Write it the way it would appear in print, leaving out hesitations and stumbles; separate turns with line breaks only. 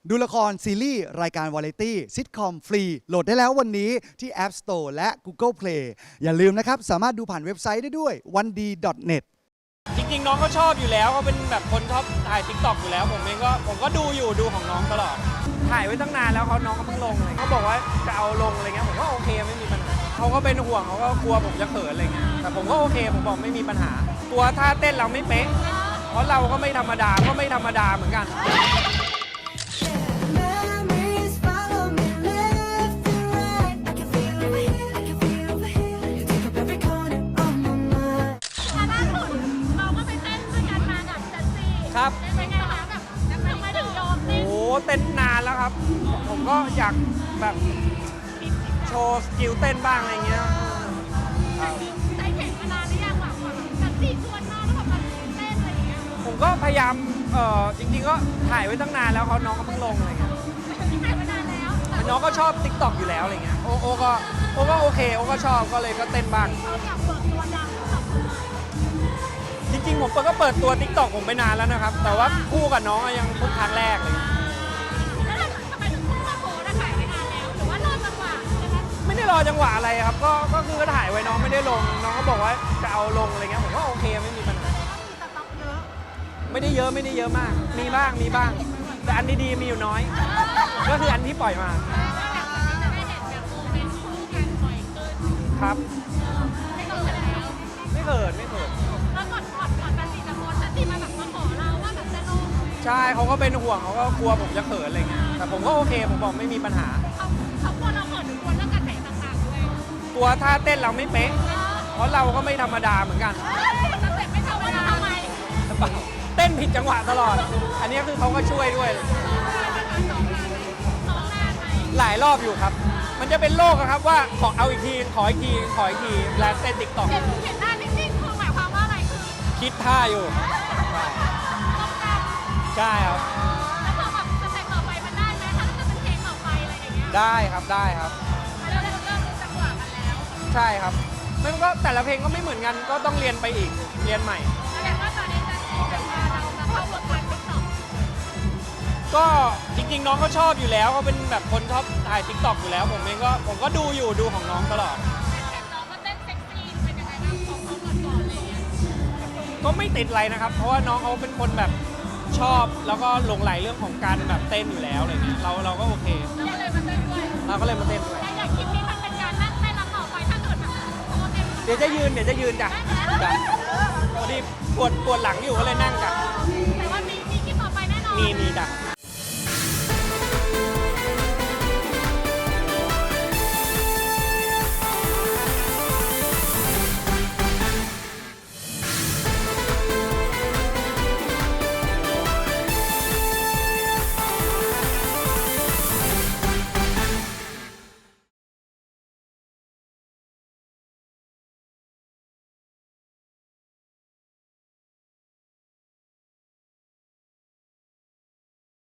ดูละครซีรีส์รายการวาไรตี้ซิทคอมฟรีโหลดได้แล้ววันนี้ที่ App Store และ Google Play อย่าลืมนะครับสามารถดูผ่านเว็บไซต์ได้ด้วย 1d.net
จริงๆน้องก็ชอบอยู่แล้วเขาเป็นแบบคนชอบถ่าย TikTok อยู่แล้วผมก็ดูของน้องตลอดถ่ายไว้ตั้งนานแล้วน้องก็เพิ่งลงเลยเขาบอกว่าจะเอาลงอะไรเงี้ยผมก็โอเคไม่มีปัญหาเขาก็เป็นห่วงเขาก็กลัวผมจะเขินอะไรเงี้ยแต่ผมก็โอเคผมบอกไม่มีปัญหาตัวท่าเต้นเราไม่เป๊ะเพราะเราก็ไม่ธรรมดาเหมือนกัน
Memories follow me left and right. I can feel over here, I can feel over here. You take up every corner of my mind.
ล่าสุดเราก็ไปเต้นด้วยกันมากับจันซี
ครับ
เป็นไงคะแบบทำไมถึงยอมเต้น
โอ้เต้นนานแล้วครับผมก็อยากแบบโชว์สกิลเต้นบ้างอะไรเงี้ยครับ
ใจแข็งมานานหรือยังแบบจันซีชวนมาแล้วแบบมาเต้นอะไรอย่างเงี้ย
ผมก็พยายามจริงๆก็ถ่ายไว้ตั้งนานแล้วน้องก็เพิ่งลงอะไรเงี้ย
ถ่ายมานานแล้วแต่
น้องก็ชอบ TikTok อยู่แล้วอะไรเงี้ยโอก็โอเคโอก็ชอบก็เลยก็เต้นบ้าง
เราอยากเปิดตัวดังกับ
จริงๆผมก็เปิดตัว TikTok ผมไปนานแล้วนะครับ แต่ว่าคู่กับน้องยังเพิ่งครั้งแรกเลย
แล้วทำไมถึงพุ่งมาโพสถ่ายไปนานแล้วหรือว่ารอจังหวะใช่ไหม
ไม่ได้รอจังหวะอะไรครับก็คือถ่ายไว้น้องไม่ได้ลงน้องก็บอกว่าจะเอาลงอะไรเงี้ยผมก็โอเคไม่มีปัญหา
มีสต็อกเยอะ
ไม่ได้เยอะมากมีบ้างแต่อันดีๆมีอยู่น้อย ก็คืออันที่ปล่อยมา
อยากจะได้เห็นแบบโมเมนต์คู่กันบ่อยขึ้น
ครับ
ไม่ต้องเสร็จแล้ว
ไม่เขิน
แล้วก่อนจันซีจะโพสจันซีมาแบบมาขอเราว่าแบบจะลง
ใช่เขาก็เป็นห่วงเขาก็กลัวผมจะเขินอะไรเงี้ยแต่ผมก็โอเคผมบอกไม่มีปัญหา
เขากลัวเราเขินหรือกลัวเรื่องการแต่งต่างๆด้วย
ตัวท่าเต้นเราไม่เป๊ะเพราะเราก็ไม่ธรรมดาเหมือนกัน
นักเตะไม่ธรรมดาทำไม
เต้นผิดจังหวะตลอด อันนี้คือเขาก็ช่วยด้วย
ซ้อมนานไหม
หลายรอบอยู่ครับ มันจะเป็นโรคอะครับว่าขอเอาอีกทีขออีกทีแล้วเต้นติ๊กต็อก
เห็นหน้านิ่งๆคือหมายความว่าอะไรคือ
คิดท่าอยู่
ต้องการ
ใช่ครับ
แล้วพอแบบสเต็ปต่อไปมันได้ไหมถ้าจะเป็นเพลงต่อไปอะไรอย่างเงี้ย
ได้ครับ
แล้วเราเริ่มรู้จังหวะกันแล้ว
ใช่ครับมันก็แต่ละเพลงก็ไม่เหมือนกันก็ต้องเรียนไปอีกเรียนใหม่
แสดงว่าตอนนี้จะเป็นว่าเราจะเข้าวงการติ๊กต็อก
ก็จริงๆน้องก็ชอบอยู่แล้วเขาเป็นแบบคนชอบถ่าย TikTok อยู่แล้วผมก็ดูของน้องตลอด
น้องก็เต้นเซ็กซี่เป็นยังไงบ้างของเขาก่อนๆอะไรอย่างเงี้ย
ก็ไม่ติดอะไรนะครับ เพราะว่าน้องเขาเป็นคนแบบชอบแล้วก็หลงใหลเรื่องของการแบบเต้นอยู่แล้วอะไรเงี้ยเราก็โอเค
เราก็เลยมาเต้นด้วย
เราก็เลยมาเต้นด้วย
แต่อย่างคลิปนี้มันเป็นการนั่งเต้นแล้วต่อไปถ้าเกิดแบบโชว์เต็ม
เดี๋ยวจะยืนจ้ะจ้ะพอดีปวดหลังอยู่ก็เลยนั่งจ้ะ
แต่ว่ามีคลิปต่อไปแน่นอน
มีจ้ะ